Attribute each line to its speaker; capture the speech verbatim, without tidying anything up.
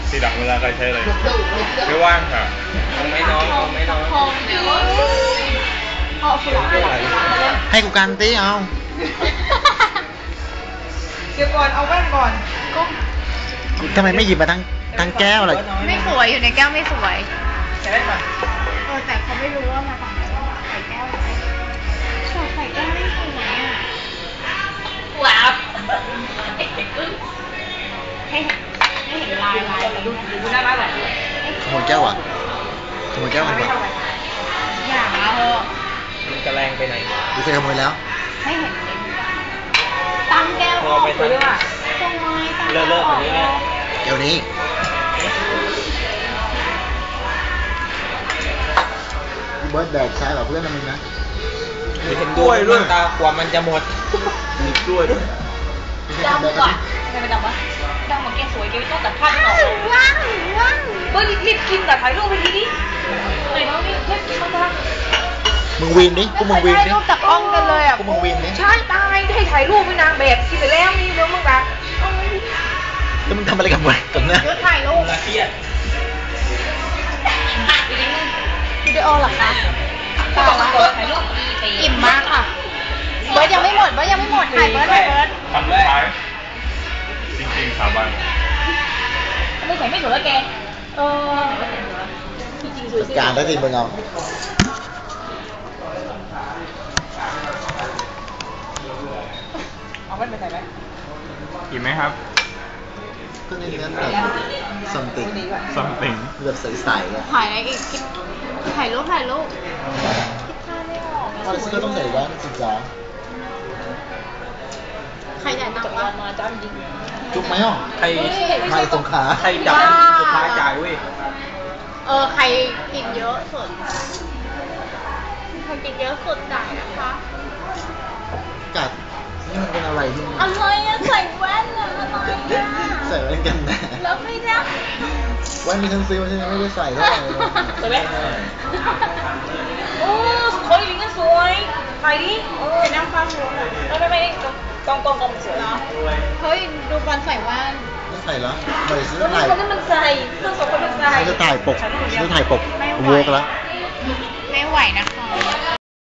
Speaker 1: ทีหลังเวลาใครใช้อะไรไม่ว่างค่ะไม่น้องไม่น้อง
Speaker 2: ให้กูกันตีเอา
Speaker 3: เดี๋ยวก่อนเอาแว่นก่อนก็
Speaker 2: ทำไมไม่หยิบมาทั้งทั้งแก้วเลย
Speaker 4: ไม่สวยอยู่ในแก้วไม่สวย
Speaker 3: ใส่แว่นก่อน
Speaker 4: เออแต่เขาไม่รู้ว่ามาจากไหนใส่แก้วใส่ใส่แก้วไม่สวยอ่ะว้าวให้ให้เห็นลายลายดู
Speaker 3: ดูหน้าบ้านหน่อย
Speaker 2: ขโมยแก้วอ่ะขโมยแก้วมันก่อน
Speaker 4: อย่าเออ
Speaker 1: มันจะแรงไปไหน
Speaker 2: ดูเคยขโมยแล้ว
Speaker 4: ให้เห็นตั้งแก้ว
Speaker 1: พอไปทำเลิกเลิกแบบนี้เนี่ย
Speaker 2: แก้วนี้เบิร์ดแบกใช้แบบเพื่อนมึงนะ
Speaker 1: มีเห็นกล้วยด้วยตากว่ามันจะหมดมีกล้วยด้วย
Speaker 3: ดำกว่าทำไมดำวะดำเหมือนแกสวยแกไม่ต้องตัดผ้าไม่ออกว้าวว้าวเบิร์ดรีบกินแต่ถ่ายรูปไปทีนี้ไหนน้องนี่เรียบกินมาจ้า
Speaker 2: มึงวีนดิกูมึงวีนดิ
Speaker 4: รูปจากกล้องกันเลยอ่ะ
Speaker 2: กูมึงวีนดิ
Speaker 3: ใช่ตายให้ถ่ายรูปเป็นนางแบบกินไปแล้วนี่เดี๋ยวมึงแบบ
Speaker 2: แล้วมึงทำอะไรกับมันกับเนี่ย
Speaker 4: ถ่ายรูป
Speaker 1: เครียด
Speaker 4: วิดีโอเหรอคะต่อมาถ่ายรูปอิ่มมากค่ะเบิร์ดยังไม่หมดเบิร์ดยังไม่หมดถ่ายเบิร์ดถ่ายเบิร์ด
Speaker 1: ทำได้จริงๆสาบาน
Speaker 3: ไม่ใส่ไม่สวยแล้วแกเออจริงๆสวยสิ
Speaker 2: การได้สิมึงเอา
Speaker 3: เอาแว่นไปใส่ไหม
Speaker 1: กินไหมครับ
Speaker 2: ก็ในนั้นแบบซัมติง
Speaker 1: ซัมติง
Speaker 2: แบบใสๆอ่ะ
Speaker 4: ถ่ายอะไรอีกถ่ายรูปถ่ายรูปคิดท่าไม่ออก
Speaker 2: พอแล้วก็ต้องใส่แว่นสิจ๊ะ
Speaker 4: ใครจ่ายตังค์วะ
Speaker 3: มาจ้าจริง
Speaker 2: จุกไหมอ่ะ
Speaker 1: ใคร
Speaker 2: ใครสงขา
Speaker 1: ใครจับสุดท้ายจ่ายเว้ย
Speaker 4: เออใครกินเยอะสุดใครกินเยอะสุดจ่ายนะคะ
Speaker 2: กัดนี่มันเป็นอะไรที่
Speaker 4: อะไรอะใส่แว่นอะอะไรอะ
Speaker 2: ใส่แว่นกันแดด
Speaker 4: แล้วไม่ได้
Speaker 2: แว่นมีทั้งซื้อใช่ไหมไม่ได้ใส่เท่าไหร่
Speaker 3: ใส่ไหมโอ้สวยลิงก็สวยถ่ายดิเออนั่งฟังดูไม่ไม่ไม่กองกองกองสวยเนาะ
Speaker 4: เฮ้ยดูบอลใส่แว่น
Speaker 2: ไม่ใส่แล้วไม่ซื้อ
Speaker 3: ถ่ายคนนั้นมันใส่เพื่อนสองคนมันใส่
Speaker 2: จะถ่ายปกจะถ่ายปกวัวกันแล้ว
Speaker 4: ไม่ไหวนะคะ